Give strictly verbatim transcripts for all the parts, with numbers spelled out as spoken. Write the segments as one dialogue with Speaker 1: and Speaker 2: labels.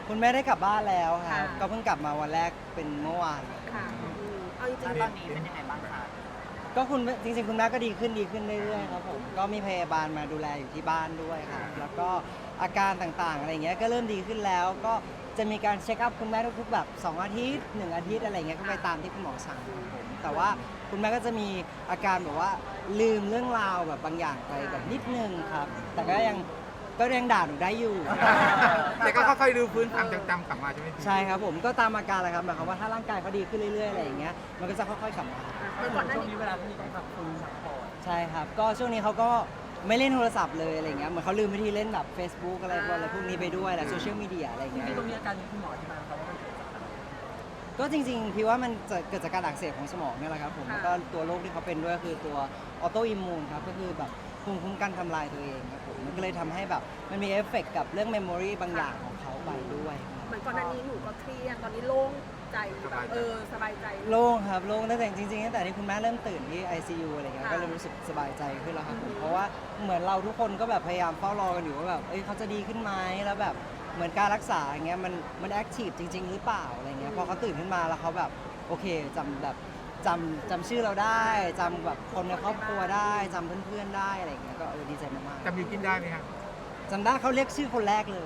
Speaker 1: คุณแม่ได้กลับบ้านแล้วครั
Speaker 2: ค่ะ
Speaker 1: บก็เพิ่งกลับมาวันแรกเป็นเมื่อวาน
Speaker 2: ค่ะอืมเอาจริง
Speaker 3: แล้ว
Speaker 2: ๆ
Speaker 3: ตอนนี้เป็นยังไงบ้างคะ
Speaker 1: ก็คุณจริงๆคุณแม่ก็ดีขึ้นดีขึ้นเรื่อยๆครับผมก็มีพยาบาลมาดูแลอยู่ที่บ้านด้วยครับแล้วก็อาการต่างๆอะไรเงี้ยก็เริ่มดีขึ้นแล้วก็จะมีการเช็คอัพคุณแม่ทุกๆแบบสองอาทิตย์หนึ่งอาทิตย์อะไรเงี้ยก็ไปตามที่คุณหมอสั่งครับผมแต่ว่าคุณแม่ก็จะมีอาการแบบว่าลืมเรื่องราวแบบบางอย่างไปแบบนิดนึงครับแต่ก็ยังก็ยังด่าหนูได้อยู่
Speaker 4: แต่ก็ค่อยๆรื้อฟื้นความจำกลับมาใช่ไหมพี่
Speaker 1: ใช่ครับผมก็ตามอาการแหละครับหมายความว่าถ้าร่างกายเขาดีขึ้นเรื่อยๆอะไรอย่างเงี้ยมันก็จะค่อยๆกลับมา
Speaker 2: เหมือนก่อนหน้า
Speaker 3: ช่วง
Speaker 2: นี้
Speaker 3: นี้เวลาที่ต้องพักฟื้นพักผ่อน
Speaker 1: ใช่ครับก็ช่วงนี้เขาก็ไม่เล่นโทรศัพท์เลยอะไรเงี้ยเหมือนเขาลืมวิธีเล่นแบบ Facebook อะไรพวกอะไรพวกนี้ไปด้วยแหละโซเชียลมีเดียอะไรเงี้ย
Speaker 3: ที่ตรงนี้อาการนี้คุณหมอที่มาเขาว่ามันเกิดจากอะไร
Speaker 1: ก็จริงๆพี่ว่ามันจะเกิดจากการอักเสบของสมองเนี่ยแหละครับผมแล้วก็ตัวโรคที่เขาเป็นด้วยคือตัวออโตอิมมูนครับก็คือแบบภูมิคุ้มกันทำลายตัวเองครับผมมันก็เลยทำให้แบบมันมีเอฟเฟกต์กับเรื่องเมมโมรีบางอย่างของเขาไปด้วยครับ
Speaker 2: เหมือนก่อนหน้านี้หนูก็เครียดตอนนี้โล่งใจแบบเออสบายใจ
Speaker 1: โล่งครับโล่งตั้งแต่จริงๆตั้งแต่ที่คุณแม่เริ่มตื่นที่ ไอ ซี ยู อะไรเงี้ย
Speaker 2: ค่ะ
Speaker 1: ก็เริ่มรู้สึกสบายใจขึ้นแล้วครับผมเพราะว่าเหมือนเราทุกคนก็แบบพยายามเฝ้ารอกันอยู่ว่าแบบเอ้ยเขาจะดีขึ้นไหมแล้วแบบเหมือนการรักษาอย่างเงี้ยมันมันแอคทีฟจริง ๆ หรือเปล่าอะไรเงี้ยพอเขาตื่นขึ้นมาแล้วเขาแบบโอเคจำแบบจำจำชื่อเราได้จำแบบคนในครอบครัวได้จำเพื่อนๆได้อะไรเงี้ยก็เออดีใจมาก
Speaker 4: จำบิวกินได้ไหมครับ
Speaker 1: ๆจำได้เขาเรียกชื่อคนแรกเลย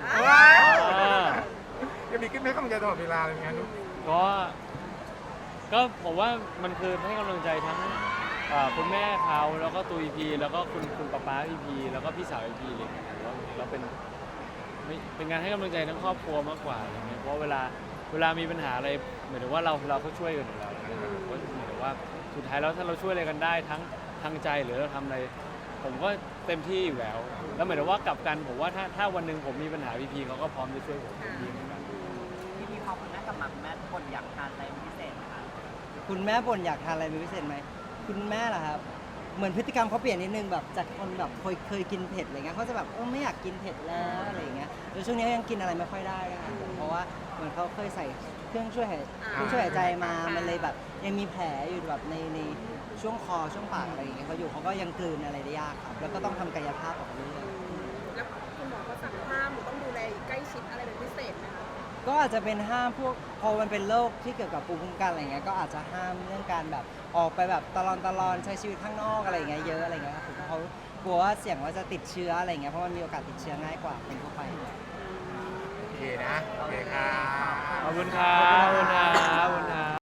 Speaker 4: จะมีขึ้นไหมข้องใจตลอดเวลาเลยไงลูก
Speaker 5: ก็ก็ผมว่ามันคือให้กำลังใจทั้งเอ่อคุณแม่เขาแล้วก็ตัวอีพีแล้วก็คุณคุณป๊าป๊าอีพีแล้วก็พี่สาวอีพีเลยแล้วแล้วเป็นไม่เป็นงานให้กำลังใจทั้งครอบครัวมากกว่าอะไรเงี้ยเพราะเวลาเวลามีปัญหาอะไรเหมือนว่าเราเราก็ช่วยกันอยู่แล้วนะครับก็เหมือนว่าสุดท้ายแล้วถ้าเราช่วยอะไรกันได้ทั้งทางใจหรือเราทำอะไร ผมก็เต็มที่อยู่แล้ว แล้วเหมือนว่ากลับกันผมว่าถ้าถ้าวันหนึ่งผมมีปัญหาพีพีเขาก็พร้อมจะช่วยผมเต็มที่เหมือนกัน
Speaker 3: พี่พี่พอคุณแม่กลับมาคุณแม่คนอยากทานอะไรเป็นพิเศษไหมคะ
Speaker 1: คุณแม่บ่นอยากทานอะไรเป็นพิเศษไหมคุณแม่เหรอครับเหมือนพฤติกรรมเขาเปลี่ยนนิดนึงแบบจากคนแบบเคยเคยกินเผ็ดอะไรเงี้ยเขาจะแบบเออไม่อยากกินเผ็ดแล้วอะไรอย่างเงี้ยแต่ช่วงนี้เขายังกินอะไรไม่ค่อยได้นะครับผมเพราะว่าเหมือนเขาเคยใส่เครื่องช่วยหายเครื่องช่วยหายใจมามันเลยแบบยังมีแผลอยู่แบบในในช่วงคอช่วงปากอะไรอย่างเงี้ยเขาอยู่เขาก็ยังกลืนอะไรได้ยากครับแล้วก็ต้องทำกายภาพออกเรื่อย
Speaker 2: แล้วคุณหมอก็สั่งห้ามหนูต้องดูแลใกล้ชิดอะไรเป็นพิเศษไหมคะ
Speaker 1: ก็อาจจะเป็นห้ามพวกพอมันเป็นโรคที่เกี่ยวกับภูมิคุ้มกันอะไรเงี้ยก็อาจจะห้ามเรื่องการแบบออกไปแบบตลอนตลอนใช้ชีวิตข้างนอกอะไรเงี้ยเยอะอะไรเงี้ยครับผมเขากลัวว่าเสี่ยงว่าจะติดเชื้ออะไรเงี้ยเพราะมันมีโอกาสติดเชื้อง่ายกว่าคนทั่วไป
Speaker 4: โอเคนะ โอเคครับ
Speaker 5: ขอบคุณครับขอบคุณครับ